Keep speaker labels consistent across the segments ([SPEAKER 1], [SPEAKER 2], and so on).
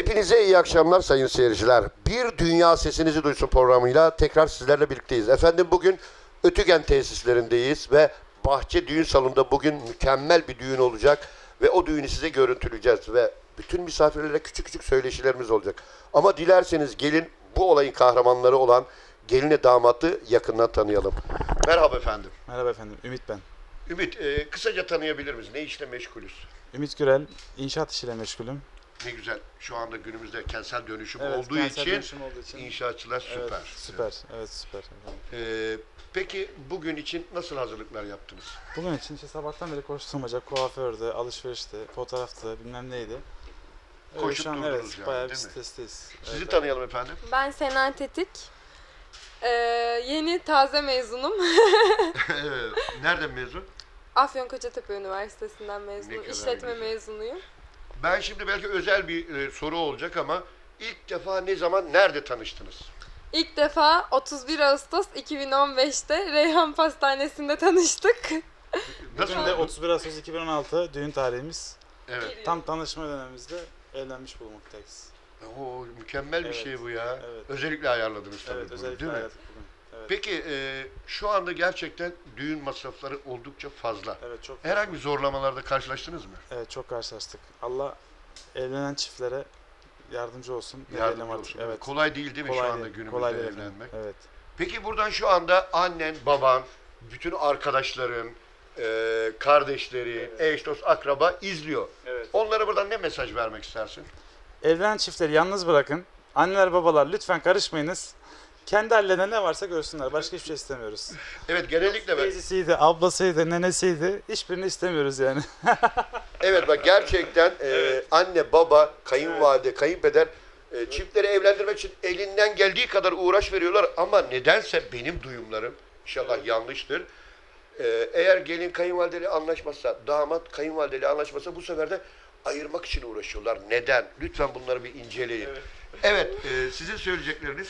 [SPEAKER 1] Hepinize iyi akşamlar sayın seyirciler. Bir Dünya Sesinizi Duysun programıyla tekrar sizlerle birlikteyiz. Efendim bugün Ötügen tesislerindeyiz ve Bahçe Düğün Salonu'nda bugün mükemmel bir düğün olacak ve o düğünü size görüntüleyeceğiz ve bütün misafirlere küçük küçük söyleşilerimiz olacak. Ama dilerseniz gelin bu olayın kahramanları olan geline damatı yakından tanıyalım. Merhaba efendim.
[SPEAKER 2] Merhaba efendim, Ümit ben.
[SPEAKER 1] Ümit, kısaca tanıyabilir miyiz? Ne işle meşgulüz?
[SPEAKER 2] Ümit Gürel, inşaat işiyle meşgulüm.
[SPEAKER 1] Ne güzel. Şu anda günümüzde kentsel dönüşüm
[SPEAKER 2] Evet,
[SPEAKER 1] olduğu
[SPEAKER 2] kentsel
[SPEAKER 1] için
[SPEAKER 2] dönüşüm olduğu için
[SPEAKER 1] inşaatçılar süper.
[SPEAKER 2] Evet, süper. Evet, süper.
[SPEAKER 1] Peki bugün için nasıl hazırlıklar yaptınız?
[SPEAKER 2] Bugün için işte sabahtan beri koşturmaca, kuaförde, alışverişte, fotoğrafta, bilmem neydi.
[SPEAKER 1] Koşup
[SPEAKER 2] şu an
[SPEAKER 1] durdunuz
[SPEAKER 2] evet,
[SPEAKER 1] yani,
[SPEAKER 2] bayağı bir
[SPEAKER 1] değil mi?
[SPEAKER 2] stresteyiz.
[SPEAKER 1] Sizi
[SPEAKER 2] Evet,
[SPEAKER 1] tanıyalım efendim.
[SPEAKER 3] Ben Sena Tetik. Yeni taze mezunum.
[SPEAKER 1] Nereden mezun?
[SPEAKER 3] Afyonkarahisar Üniversitesi'nden
[SPEAKER 1] Ne
[SPEAKER 3] mezunum.
[SPEAKER 1] kadar
[SPEAKER 3] İşletme
[SPEAKER 1] güzel.
[SPEAKER 3] mezunuyum.
[SPEAKER 1] Ben şimdi belki özel bir soru olacak ama ilk defa ne zaman, nerede tanıştınız?
[SPEAKER 3] İlk defa 31 Ağustos 2015'te Reyhan Pastanesi'nde tanıştık.
[SPEAKER 1] Nasıl
[SPEAKER 2] bugün de
[SPEAKER 1] oldu?
[SPEAKER 2] 31 Ağustos 2016 düğün tarihimiz.
[SPEAKER 1] Evet.
[SPEAKER 2] Tam tanışma dönemimizde evlenmiş bulunmaktayız.
[SPEAKER 1] Oo, mükemmel bir
[SPEAKER 2] Evet,
[SPEAKER 1] şey bu ya.
[SPEAKER 2] evet.
[SPEAKER 1] Özellikle ayarladınız tabii
[SPEAKER 2] Evet,
[SPEAKER 1] bunu,
[SPEAKER 2] özellikle
[SPEAKER 1] değil mi?
[SPEAKER 2] hayatım bugün. Evet.
[SPEAKER 1] Peki şu anda gerçekten düğün masrafları oldukça fazla.
[SPEAKER 2] Evet, çok
[SPEAKER 1] Herhangi bir zorlamalarda karşılaştınız mı?
[SPEAKER 2] Evet, çok karşılaştık. Allah evlenen çiftlere yardımcı olsun. Ne
[SPEAKER 1] Yardımcı
[SPEAKER 2] diyelim artık.
[SPEAKER 1] olsun.
[SPEAKER 2] Evet.
[SPEAKER 1] Kolay değil değil mi
[SPEAKER 2] Kolay
[SPEAKER 1] şu anda
[SPEAKER 2] değil,
[SPEAKER 1] günümüzde
[SPEAKER 2] kolay değil efendim.
[SPEAKER 1] evlenmek?
[SPEAKER 2] Evet.
[SPEAKER 1] Peki buradan şu anda annen, baban, bütün arkadaşların, kardeşleri, eş, dost, akraba izliyor.
[SPEAKER 2] Evet.
[SPEAKER 1] Onlara buradan ne mesaj vermek istersin?
[SPEAKER 2] Evlenen çiftleri yalnız bırakın. Anneler babalar lütfen karışmayınız. Kendi hallerinde ne varsa görsünler. Başka hiçbir şey istemiyoruz.
[SPEAKER 1] Evet, genellikle ben...
[SPEAKER 2] Teyzesiydi, ablasıydı, nenesiydi. Hiçbirini istemiyoruz yani.
[SPEAKER 1] Evet bak gerçekten anne, baba, kayınvalide, kayınpeder çiftleri evlendirmek için elinden geldiği kadar uğraş veriyorlar ama nedense benim duyumlarım inşallah yanlıştır. Eğer gelin kayınvalideyle anlaşmazsa, damat kayınvalideyle anlaşmazsa bu sefer de ayırmak için uğraşıyorlar. Neden? Lütfen bunları bir inceleyin. Evet, sizin söyleyecekleriniz?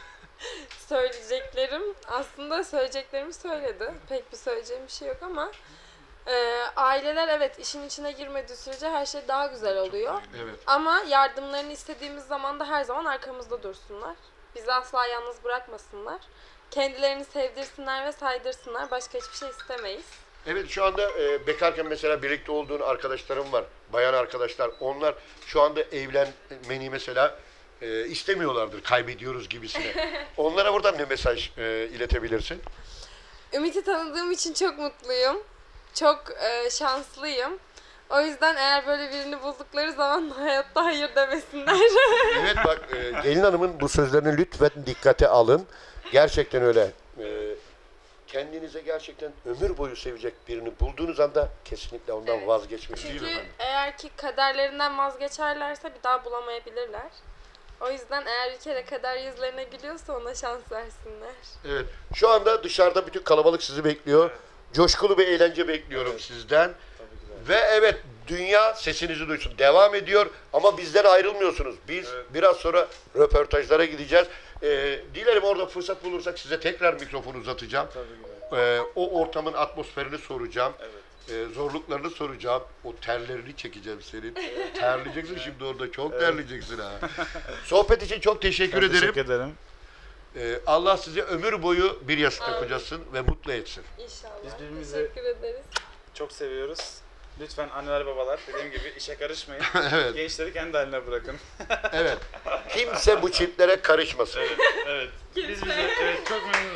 [SPEAKER 3] Aslında söyleyeceklerimi söyledi. Pek bir söyleyeceğim bir şey yok ama aileler evet işin içine girmediği sürece her şey daha güzel oluyor.
[SPEAKER 1] Evet.
[SPEAKER 3] Ama yardımlarını istediğimiz zaman da her zaman arkamızda dursunlar. Bizi asla yalnız bırakmasınlar. Kendilerini sevdirsinler ve saydırsınlar. Başka hiçbir şey istemeyiz.
[SPEAKER 1] Evet şu anda bekarken mesela birlikte olduğun arkadaşlarım var. Bayan arkadaşlar. Onlar şu anda evlenmeni mesela istemiyorlardır. Kaybediyoruz gibisine. Onlara buradan ne mesaj iletebilirsin?
[SPEAKER 3] Ümit'i tanıdığım için çok mutluyum. Çok şanslıyım. O yüzden eğer böyle birini buldukları zaman hayatta hayır demesinler.
[SPEAKER 1] Evet bak gelin hanımın bu sözlerini lütfen dikkate alın. Gerçekten öyle. Kendinize gerçekten ömür boyu sevecek birini bulduğunuz anda kesinlikle ondan
[SPEAKER 3] Evet.
[SPEAKER 1] vazgeçmeyin. Değil mi
[SPEAKER 3] Çünkü
[SPEAKER 1] efendim?
[SPEAKER 3] eğer ki kaderlerinden vazgeçerlerse bir daha bulamayabilirler. O yüzden eğer bir kere kader yüzlerine gülüyorsa ona şans versinler.
[SPEAKER 1] Evet. Şu anda dışarıda bütün kalabalık sizi bekliyor. Coşkulu bir eğlence bekliyorum sizden. Ve evet dünya sesinizi duysun. Devam ediyor ama bizden ayrılmıyorsunuz. Biz biraz sonra röportajlara gideceğiz. Dilerim orada fırsat bulursak size tekrar mikrofonu uzatacağım. O ortamın atmosferini soracağım. Zorluklarını soracağım. O terlerini çekeceğim senin. Terleyeceksin şimdi orada. Çok terleyeceksin ha. Sohbet için çok teşekkür ederim.
[SPEAKER 2] Teşekkür ederim.
[SPEAKER 1] Allah sizi ömür boyu bir yastıkta kocasın ve mutlu etsin.
[SPEAKER 3] İnşallah.
[SPEAKER 2] Biz birbirimizi-
[SPEAKER 3] Teşekkür ederiz.
[SPEAKER 2] Çok seviyoruz. Lütfen anneler babalar dediğim gibi işe karışmayın.
[SPEAKER 1] Evet.
[SPEAKER 2] Gençleri kendi haline bırakın.
[SPEAKER 1] Evet. Kimse bu çiftlere karışmasın.
[SPEAKER 2] Evet. Biz bize evet, çok memnun